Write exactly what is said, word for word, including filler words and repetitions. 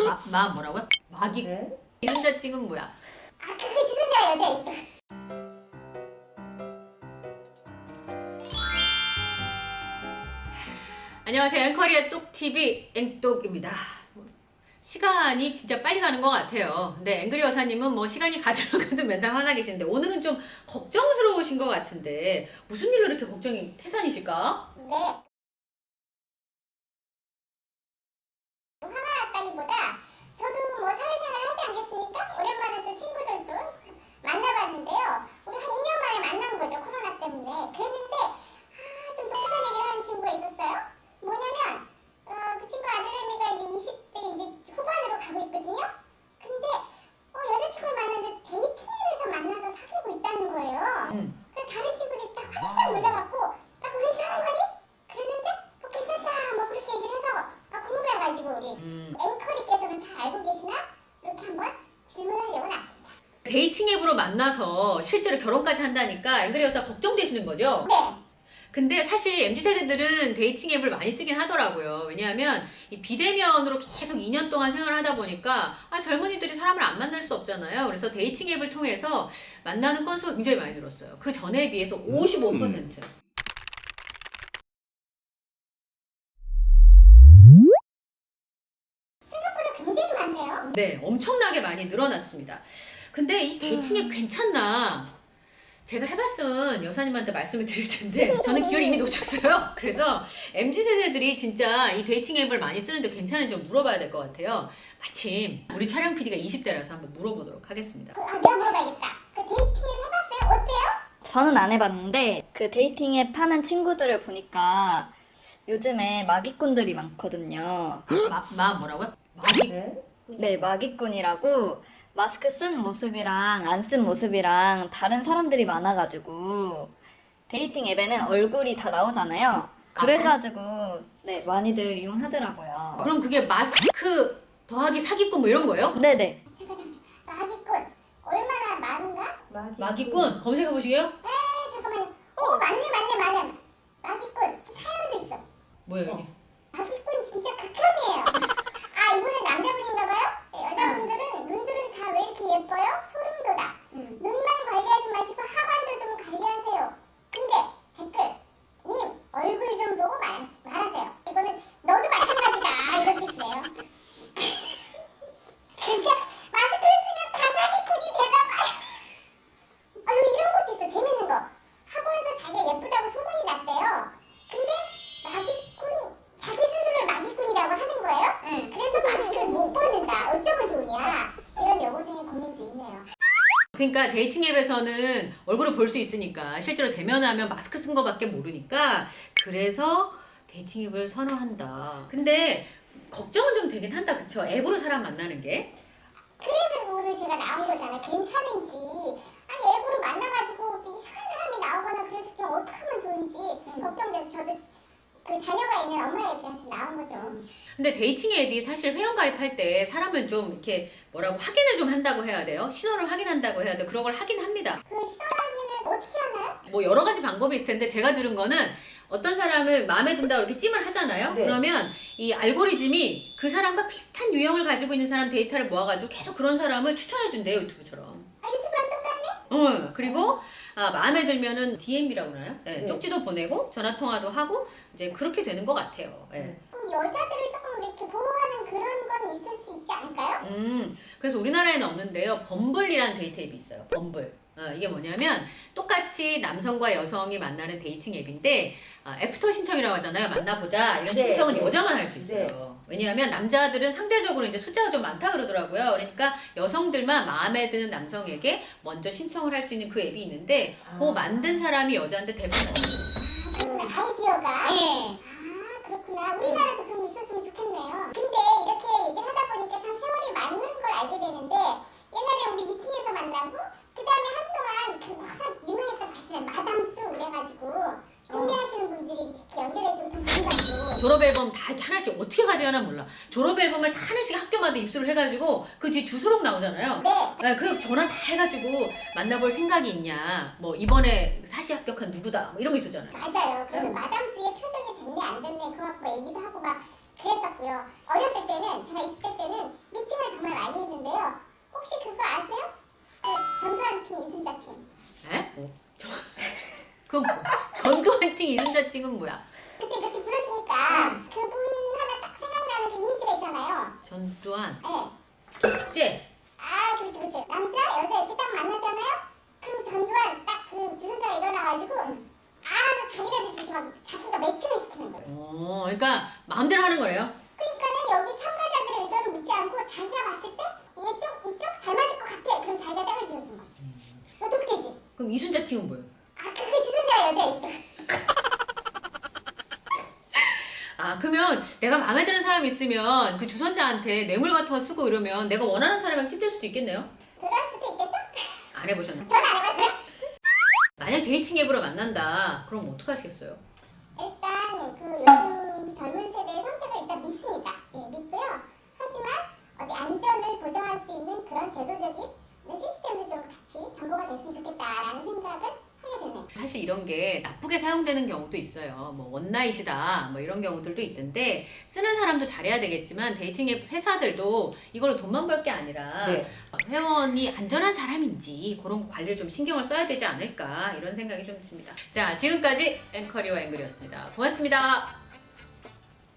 마, 마 뭐라고요? 마기 네? 이순자찡은 뭐야? 아 그게 지순자 여자. 안녕하세요. 앵커리의 똑티비 앵똑입니다. 시간이 진짜 빨리 가는 것 같아요. 근데 앵그리 여사님은 뭐 시간이 가지러 가도 맨날 화나 계시는데 오늘은 좀 걱정스러우신 것 같은데 무슨 일로 이렇게 걱정이 태산이실까? 네. 화가 났다기보다 저도 뭐 사회생활 하지 않겠습니까? 오랜만에 또 친구들도 만나봤는데요. 우리 한 이 년 만에 만난 거죠. 코로나 때문에. 그랬는데 아, 좀 독특한 얘기를 하는 친구가 있었어요. 뭐냐면 어, 그 친구 아들내미가 이제 이십 대 이제 후반으로 가고 있거든요. 근데 어, 여자친구를 만났는데 데이팅 앱에서 만나서 사귀고 있다는 거예요. 음. 그래서 다른 친구들이 딱 활짝 놀라갖고 아 그거 괜찮은 거니? 그랬는데 어, 괜찮다 뭐 그렇게 얘기를 해서 아 궁금해가지고 우리 음. 앵커리께서는 잘 알고 계시나? 이렇게 한번 질문하려고 나왔습니다. 데이팅 앱으로 만나서 실제로 결혼까지 한다니까 앵그리 여사 걱정되시는 거죠? 네. 근데 사실 엠지 세대들은 데이팅 앱을 많이 쓰긴 하더라고요. 왜냐하면 이 비대면으로 계속 이 년 동안 생활을 하다 보니까 아, 젊은이들이 사람을 안 만날 수 없잖아요. 그래서 데이팅 앱을 통해서 만나는 건수가 굉장히 많이 늘었어요. 그 전에 비해서 오십오 퍼센트. 생각보다 굉장히 많네요. 네, 엄청나게 많이 늘어났습니다. 근데 이 데이팅 앱 괜찮나? 제가 해봤은 여사님한테 말씀을 드릴 텐데 저는 기회를 이미 놓쳤어요. 그래서 엠지 세대들이 진짜 이 데이팅 앱을 많이 쓰는데 괜찮은지 좀 물어봐야 될 것 같아요. 마침 우리 촬영 피디가 이십 대라서 한번 물어보도록 하겠습니다. 그, 아 내가 물어봐야겠다. 그 데이팅 앱 해봤어요? 어때요? 저는 안 해봤는데 그 데이팅 앱 하는 친구들을 보니까 요즘에 마기꾼들이 많거든요. 마, 마 뭐라고요? 마기? 네? 네, 마기꾼이라고 마스크 쓴 모습이랑 안 쓴 모습이랑 다른 사람들이 많아가지고 데이팅 앱에는 얼굴이 다 나오잖아요. 그래가지고 네 많이들 이용하더라고요. 그럼 그게 마스크 더하기 사기꾼 뭐 이런 거예요? 네네. 잠깐 잠깐. 마기꾼 얼마나 많은가? 마기. 마기꾼 검색해 보시게요? 에 잠깐만요. 오 맞네 맞네 맞네. 마기꾼 사연도 있어. 뭐예요 여기? 마기꾼 진짜 극혐이에요. 아 이분은 남자분인가봐요? 네, 여자분들은 눈들은 다 왜 이렇게 예뻐요? 소름 돋아. 눈만 관리하지 마시고 하관도 좀 관리하세요. 근데 댓글 님 얼굴 좀 보고 말, 말하세요. 이거는 너도 마찬가지다 이런 뜻이래요. 그러니까 마스크를 쓰면 다 사기꾼이 되나봐요. 아 여기 이런 것도 있어. 재밌는 거. 학원에서 자기가 예쁘다고 소문이 났대요. 근데 마기꾼 자기 스스로를 마기꾼이라고 하는 거예요? 응. 그래서 마스크를 못 벗는다. 어쩌면 좋으냐? 이런 여고생의 고민도 있네요. 그러니까 데이팅 앱에서는 얼굴을 볼 수 있으니까 실제로 대면하면 마스크 쓴 거밖에 모르니까 그래서 데이팅 앱을 선호한다. 근데 걱정은 좀 되긴 한다, 그쵸? 앱으로 사람 만나는 게. 그래서 오늘 제가 나온 거잖아요. 괜찮은지. 아니 앱으로 만나가지고 또 이상한 사람이 나오거나 그래서 그냥 어떻게 하면 좋은지 걱정돼서 저도 그 자녀가 있는 엄마의 입장에서 나온 거죠. 근데 데이팅 앱이 사실 회원 가입할 때 사람을 좀 이렇게 뭐라고 확인을 좀 한다고 해야 돼요. 신원을 확인한다고 해야 돼요. 그런 걸 하긴 합니다. 그 신원 확인을 어떻게 하나요? 뭐 여러 가지 방법이 있을 텐데 제가 들은 거는 어떤 사람을 마음에 든다고 이렇게 찜을 하잖아요. 네. 그러면 이 알고리즘이 그 사람과 비슷한 유형을 가지고 있는 사람 데이터를 모아가지고 계속 그런 사람을 추천해준대요. 유튜브처럼. 아 유튜브랑 똑같네? 어, 그리고 아, 마음에 들면은 디엠이라고 하나요? 네, 네. 쪽지도 보내고 전화 통화도 하고 이제 그렇게 되는 것 같아요. 예. 그럼 여자들을 조금 이렇게 보호하는 그런 건 있을 수 있지 않을까요? 음, 그래서 우리나라에는 없는데요. 범블이라는 데이트 앱이 있어요. 범블. 어, 이게 뭐냐면 똑같이 남성과 여성이 만나는 데이팅 앱인데 아, 애프터 신청이라고 하잖아요. 만나보자 이런 네, 신청은 네. 여자만 할 수 있어요. 왜냐하면 남자들은 상대적으로 이제 숫자가 좀 많다 그러더라고요. 그러니까 여성들만 마음에 드는 남성에게 먼저 신청을 할 수 있는 그 앱이 있는데 아. 그 만든 사람이 여자인데 대부분 아, 그렇구나. 아이디어가. 네. 아, 그렇구나. 우리나라도 그런 거 있었으면 좋겠네요. 근데 이렇게 얘기를 하다 보니까 참 세월이 많이 흐른 걸 알게 되는데 옛날에 우리 미팅에서 만나고 그 다음에 한동안 그 워낙 유명했던 가시는 마담뚜 그래가지고 준비하시는 분들이 이렇게 연결해주고 돈 받고 졸업 앨범 다 하나씩 어떻게 가져가나 몰라. 졸업 앨범을 다 하나씩 학교마다 입수를 해가지고 그 뒤에 주소록 나오잖아요. 네. 네, 그 전화 다 해가지고 만나볼 생각이 있냐. 뭐 이번에 사시 합격한 누구다. 뭐 이런 거 있었잖아요. 맞아요. 그래서 마담뚜의 표정이 됐네 안 됐네 그거 갖고 얘기도 하고 막 그랬었고요. 어렸을 때는 제가 이십 대 때는 미팅 채팅은 뭐야? 그때 그렇게 불렀으니까 그분 하면 딱 생각나는 그 이미지가 있잖아요. 전두환, 네. 독재. 아, 그렇지, 그렇지. 남자, 여자 이렇게 딱 만나잖아요? 그럼 전두환 딱 그 주선자가 일어나가지고 알아서 자기네들 이렇게 막 자기가 매칭을 시키는 거예요. 어, 그러니까 마음대로 하는 거래요. 그러니까는 여기 참가자들의 의견을 묻지 않고 자기가 봤을 때 이쪽, 이쪽 잘 맞을 것 같아. 그럼 자기가 짝을 지어주는 거지. 이거 독재지. 그럼 이순자 팀은 뭐예요? 아, 그게 주선자가 여자일 때. 아, 그러면 내가 마음에 드는 사람이 있으면 그 주선자한테 뇌물 같은 거 쓰고 이러면 내가 원하는 사람이랑 찜될 수도 있겠네요? 그럴 수도 있겠죠? 안 해보셨나요? 전 안 해봤어요. 만약 데이팅 앱으로 만난다. 그럼 어떡하시겠어요? 일단 그 요즘 젊은 세대의 선택을 일단 믿습니다. 예, 믿고요. 하지만 어디 안전을 보장할 수 있는 그런 제도적인 시스템도 좀 같이 경고가 됐으면 좋겠다라는 생각을 하게 되네요. 사실 이런 게 나쁘게 사용되는 경우도 있어요. 뭐 원나잇이다 뭐 이런 경우들도 있던데 쓰는 사람도 잘해야 되겠지만 데이팅 앱 회사들도 이걸로 돈만 벌 게 아니라 네. 회원이 안전한 사람인지 그런 거 관리를 좀 신경을 써야 되지 않을까 이런 생각이 좀 듭니다. 자, 지금까지 앵커리와 앵글이었습니다. 고맙습니다.